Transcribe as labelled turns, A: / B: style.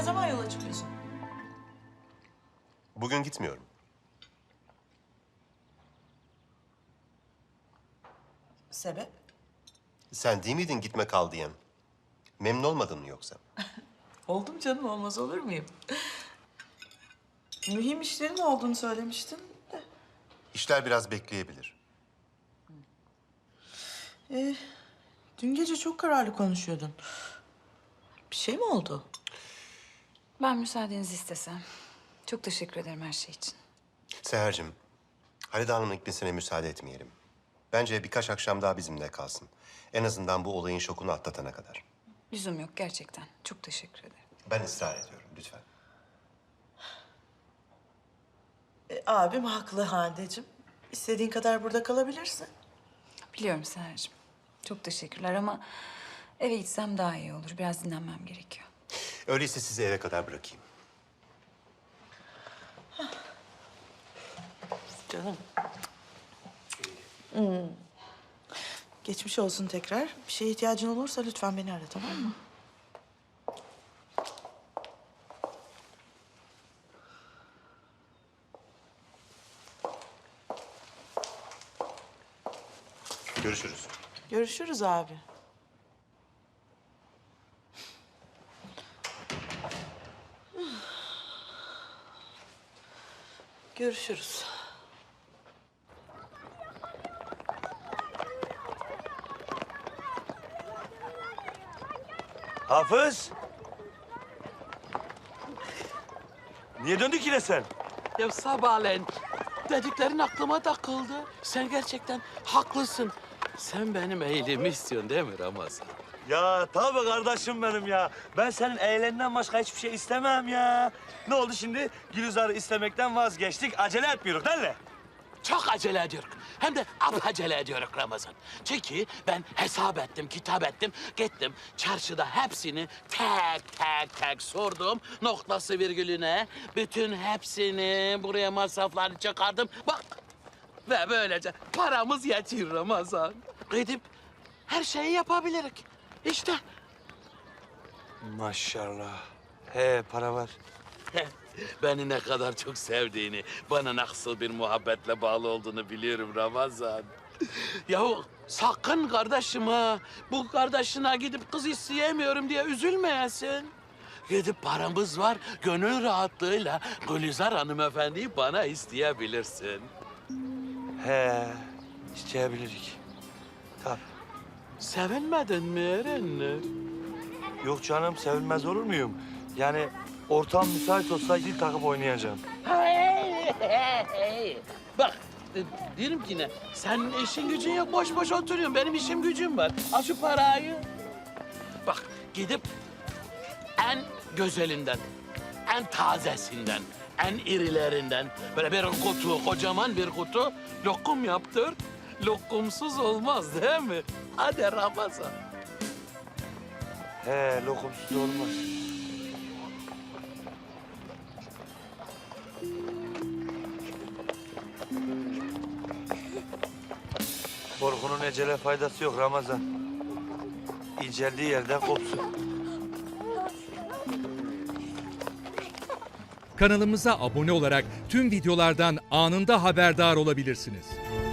A: zaman yola çıkıyorsun?
B: Bugün gitmiyorum.
A: Sebep?
B: Sen değil miydin gitme kal diyen? Memnun olmadın mı yoksa?
A: Oldum canım, olmaz olur muyum? Mühim işlerin olduğunu söylemiştin de.
B: İşler biraz bekleyebilir.
A: Dün gece çok kararlı konuşuyordun. Bir şey mi oldu?
C: Ben müsaadenizi istesem. Çok teşekkür ederim her şey için.
B: Seher'cim, Halide Hanım'ın gitmesine müsaade etmeyelim. Bence birkaç akşam daha bizimle kalsın. En azından bu olayın şokunu atlatana kadar.
C: Lüzum yok gerçekten. Çok teşekkür ederim.
B: Ben ısrar ediyorum, lütfen.
A: Abim haklı Hande'cim. İstediğin kadar burada kalabilirsin.
C: Biliyorum Seher'cim. Çok teşekkürler ama eve gitsem daha iyi olur. Biraz dinlenmem gerekiyor.
B: Öyleyse sizi eve kadar bırakayım.
A: Canım. Geçmiş olsun tekrar. Bir şeye ihtiyacın olursa lütfen beni ara, tamam mı?
B: Görüşürüz.
A: Görüşürüz abi. Görüşürüz.
D: Hafız! Niye döndük yine sen?
E: Ya sabahleyin dediklerin aklıma takıldı. Sen gerçekten haklısın. Sen benim iyiliğimi istiyorsun değil mi Ramazan?
D: Ya tabii kardeşim benim ya. Ben senin eğleninden başka hiçbir şey istemem ya. Ne oldu şimdi? Gülizar'ı istemekten vazgeçtik. Acele etmiyoruz değil mi?
E: Çok acele ediyoruz. Hem de acele ediyoruz Ramazan. Çünkü ben hesap ettim, kitap ettim. Gittim çarşıda hepsini tek sordum. Noktası virgülüne. Bütün hepsini buraya masraflarını çıkardım. Bak ve böylece paramız yetiyor Ramazan. Gidip her şeyi yapabiliriz. İşte.
D: Maşallah. He para var.
E: Beni ne kadar çok sevdiğini, bana nasıl bir muhabbetle bağlı olduğunu biliyorum Ramazan. Yahu sakın kardeşim ha, bu kardeşine gidip kız isteyemiyorum diye üzülmeyesin. Gidip paramız var, gönül rahatlığıyla Gülizar hanımefendiyi bana isteyebilirsin.
D: He isteyebilirik. Tabii.
E: Sevinmedin mi Erenler?
D: Yok canım sevilmez olur muyum? Yani ortam müsait olsa zil takıp oynayacağım.
E: Bak, diyorum ki ne? Senin işin gücün yok, boş boş oturuyorsun. Benim işim gücüm var. Al şu parayı. Bak, gidip en güzelinden, en tazesinden, en irilerinden böyle bir kutu, kocaman bir kutu lokum yaptır. Lokumsuz olmaz değil mi? Hadi Ramazan.
D: He lokumsuz olmaz. Korkunun ecele faydası yok Ramazan. İnceldiği yerden kopsun.
F: Kanalımıza abone olarak tüm videolardan anında haberdar olabilirsiniz.